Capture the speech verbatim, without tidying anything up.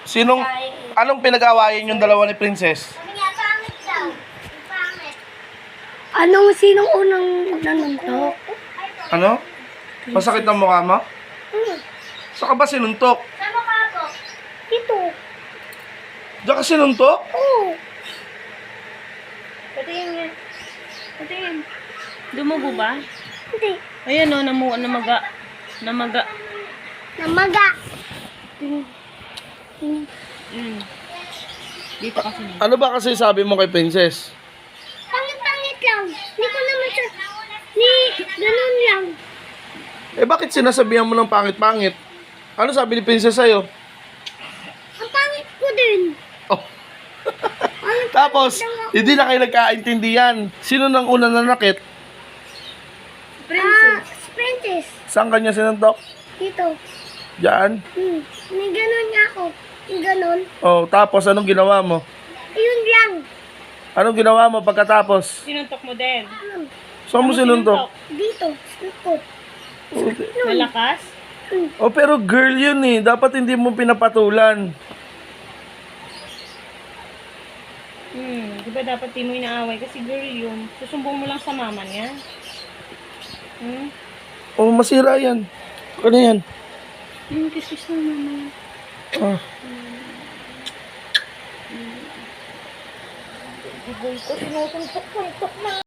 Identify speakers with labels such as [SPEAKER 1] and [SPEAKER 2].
[SPEAKER 1] Sinong, anong pinag-awayan yung dalawa ni Princess?
[SPEAKER 2] Sabi niya, pangit daw. Pangit.
[SPEAKER 3] Anong sinong unang nanuntok?
[SPEAKER 1] Ano? Masakit ang mukha mo?
[SPEAKER 3] Hmm.
[SPEAKER 1] Saan ka ba sinuntok?
[SPEAKER 2] Sa mukha ko.
[SPEAKER 3] Dito.
[SPEAKER 1] Diyan ka sinuntok?
[SPEAKER 3] Oo.
[SPEAKER 4] Patingin nga. Patingin. Dumugo ba?
[SPEAKER 3] Hindi.
[SPEAKER 4] Ayan o, namu namaga. Namaga.
[SPEAKER 3] Namaga.
[SPEAKER 4] Mm. Dito kasi.
[SPEAKER 1] Ano ba kasi sabi mo kay Princess?
[SPEAKER 3] Pangit-pangit lang. Hindi ko naman siya... Ni, ganun lang.
[SPEAKER 1] Eh bakit sinasabihan mo ng pangit-pangit? Ano sabi ni Princess sa'yo?
[SPEAKER 3] Ang pangit ko din.
[SPEAKER 1] Oh. Tapos, hindi na kayo nagkaintindihan. Sino nang una nanakit?
[SPEAKER 3] Ah, princess.
[SPEAKER 1] Saan kanya sinuntok?
[SPEAKER 3] Dito.
[SPEAKER 1] Diyan?
[SPEAKER 3] Hmm. May ganun niya ako. Yung ganun.
[SPEAKER 1] Oh, tapos anong ginawa mo?
[SPEAKER 3] Yun lang.
[SPEAKER 1] Anong ginawa mo pagkatapos?
[SPEAKER 4] Sinuntok mo din.
[SPEAKER 3] Ano?
[SPEAKER 1] Saan mo sinuntok?
[SPEAKER 3] Dito. Sukot.
[SPEAKER 4] Malakas?
[SPEAKER 1] Oh, pero girl yun eh. Dapat hindi mo pinapatulan.
[SPEAKER 4] Hmm, di ba dapat di mo inaaway? Kasi girl yun. Susumbong mo lang sa mama niya. Hmm?
[SPEAKER 1] Oh, masira yan. Ano yan?
[SPEAKER 4] Hmm, kiss-kiss na mama.
[SPEAKER 1] Ah.
[SPEAKER 4] Iboy ko, sinusuntok-suntok na.